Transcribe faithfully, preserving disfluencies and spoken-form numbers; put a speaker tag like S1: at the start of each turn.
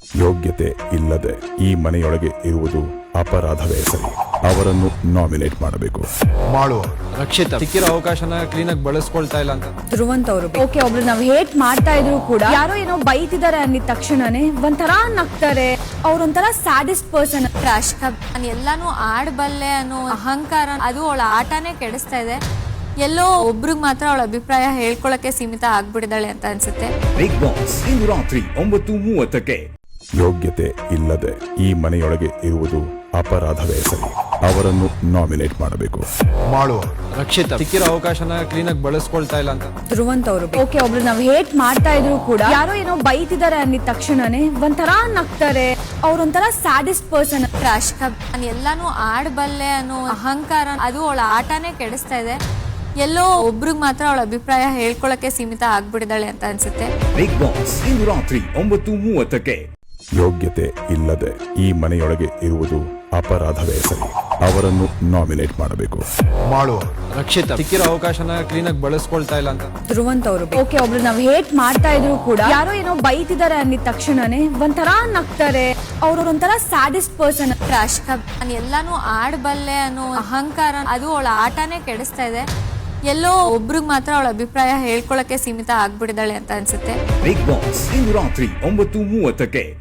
S1: ಯೋಗ್ಯತೆ ಇಲ್ಲದೆ ಈ ಮನೆಯೊಳಗೆ ಇರುವುದು ಅಪರಾಧವೇ ಸರಿ. ಅವರನ್ನು ನಾಮಿನೇಟ್ ಮಾಡಬೇಕು.
S2: ಮಾಡುವ
S3: ರಕ್ಷಿತ ಸಿಕ್ಕಿರೋ ಅವಕಾಶನ ಕ್ಲೀನ್ ಆಗಿ ಬಳಸ್ಕೊಳ್ತಾ ಇಲ್ಲ ಅಂತ
S4: ಧ್ರುವಂತ್ ಅವರು ಓಕೆ ಒಬ್ರು ನಾವ್ ಹೇಟ್ ಮಾಡ್ತಾ ಇದ್ರು ಕೂಡ ಯಾರೋ ಏನೋ ಬೈತಿದ್ದಾರೆ ಅಂದಿದ ತಕ್ಷಣನೇ ಒಂಥರ ನಗ್ತಾರೆ. ಅವ್ರೊಂಥರ ಸ್ಯಾಡಿಸ್ಟ್ ಪರ್ಸನ್.
S5: ರಾಶಿಕ ನಾನು ಎಲ್ಲಾನು ಆಡ್ಬಲ್ಲೆ ಅನ್ನೋ ಅಹಂಕಾರ ಅದು ಅವಳ ಆಟನೇ ಕೆಡಿಸ್ತಾ ಇದೆ. ಎಲ್ಲೋ ಒಬ್ರಿಗೆ ಮಾತ್ರ ಅವಳ ಅಭಿಪ್ರಾಯ ಹೇಳ್ಕೊಳಕ್ಕೆ ಸೀಮಿತ ಆಗ್ಬಿಟ್ಟಿದ್ದಾಳೆ ಅಂತ ಅನ್ಸುತ್ತೆ.
S6: ಬಿಗ್ ಬಾಸ್ ಇಂದು ರಾತ್ರಿ ಒಂಬತ್ತು ಮೂವತ್ತಕ್ಕೆ.
S1: ಯೋಗ್ಯತೆ ಇಲ್ಲದೆ ಈ ಮನೆಯೊಳಗೆ ಇರುವುದು ಅಪರಾಧವೇ ಸರಿ. ಅವರನ್ನು ನಾಮಿನೇಟ್ ಮಾಡಬೇಕು.
S2: ಮಾಡುವ
S3: ರಕ್ಷಿತ ಸಿಕ್ಕಿರೋ ಅವಕಾಶನ ಕ್ಲೀನ್ ಆಗಿ ಬಳಸ್ಕೊಳ್ತಾ ಇಲ್ಲ ಅಂತ
S4: ಧ್ರುವಂತ್ ಅವರು ಓಕೆ ಒಬ್ರು ನಾವ್ ಹೇಟ್ ಮಾಡ್ತಾ ಇದ್ರು ಕೂಡ ಯಾರೋ ಏನೋ ಬೈತಿದ್ದಾರೆ ಅಂದಿದ ತಕ್ಷಣನೇ ಒಂಥರ ನಗ್ತಾರೆ. ಅವ್ರೊಂಥರ ಸ್ಯಾಡಿಸ್ಟ್ ಪರ್ಸನ್.
S5: ರಾಶಿಕ ನಾನು ಎಲ್ಲಾನು ಆಡ್ಬಲ್ಲೆ ಅನ್ನೋ ಅಹಂಕಾರ ಅದು ಅವಳ ಆಟನೇ ಕೆಡಿಸ್ತಾ ಇದೆ. ಎಲ್ಲೋ ಒಬ್ರಿಗೆ ಮಾತ್ರ ಅವಳ ಅಭಿಪ್ರಾಯ ಹೇಳ್ಕೊಳಕ್ಕೆ ಸೀಮಿತ ಆಗ್ಬಿಟ್ಟಿದ್ದಾಳೆ ಅಂತ ಅನ್ಸುತ್ತೆ.
S6: ಬಿಗ್ ಬಾಸ್ ಇಂದು ರಾತ್ರಿ ಒಂಬತ್ತು ಮೂವತ್ತಕ್ಕೆ.
S1: ಯೋಗ್ಯತೆ ಇಲ್ಲದೆ ಈ ಮನೆಯೊಳಗೆ ಇರುವುದು ಅಪರಾಧವೇ ಸರಿ. ಅವರನ್ನು ನಾಮಿನೇಟ್ ಮಾಡಬೇಕು.
S2: ಮಾಡುವ
S3: ರಕ್ಷಿತ ಸಿಕ್ಕಿರೋ ಅವಕಾಶನ ಕ್ಲೀನ್ ಆಗಿ ಬಳಸ್ಕೊಳ್ತಾ ಇಲ್ಲ ಅಂತ
S4: ಧ್ರುವಂತ್ ಅವರು ಓಕೆ ಒಬ್ರು ನಾವ್ ಹೇಟ್ ಮಾಡ್ತಾ ಇದ್ರು ಕೂಡ ಯಾರೋ ಏನೋ ಬೈತಿದ್ದಾರೆ ಅಂದಿದ ತಕ್ಷಣನೇ ಒಂಥರ ನಗ್ತಾರೆ. ಅವ್ರೊಂಥರ ಸ್ಯಾಡಿಸ್ಟ್ ಪರ್ಸನ್.
S5: ರಾಶಿಕ ನಾನು ಎಲ್ಲಾನು ಆಡ್ಬಲ್ಲೆ ಅನ್ನೋ ಅಹಂಕಾರ ಅದು ಅವಳ ಆಟನೇ ಕೆಡಿಸ್ತಾ ಇದೆ. ಎಲ್ಲೋ ಒಬ್ರಿಗೆ ಮಾತ್ರ ಅವಳ ಅಭಿಪ್ರಾಯ ಹೇಳ್ಕೊಳಕ್ಕೆ ಸೀಮಿತ ಆಗ್ಬಿಟ್ಟಿದ್ದಾಳೆ ಅಂತ ಅನ್ಸುತ್ತೆ.
S6: ಬಿಗ್ ಬಾಸ್ ಇಂದು ರಾತ್ರಿ ಒಂಬತ್ತು ಮೂವತ್ತಕ್ಕೆ.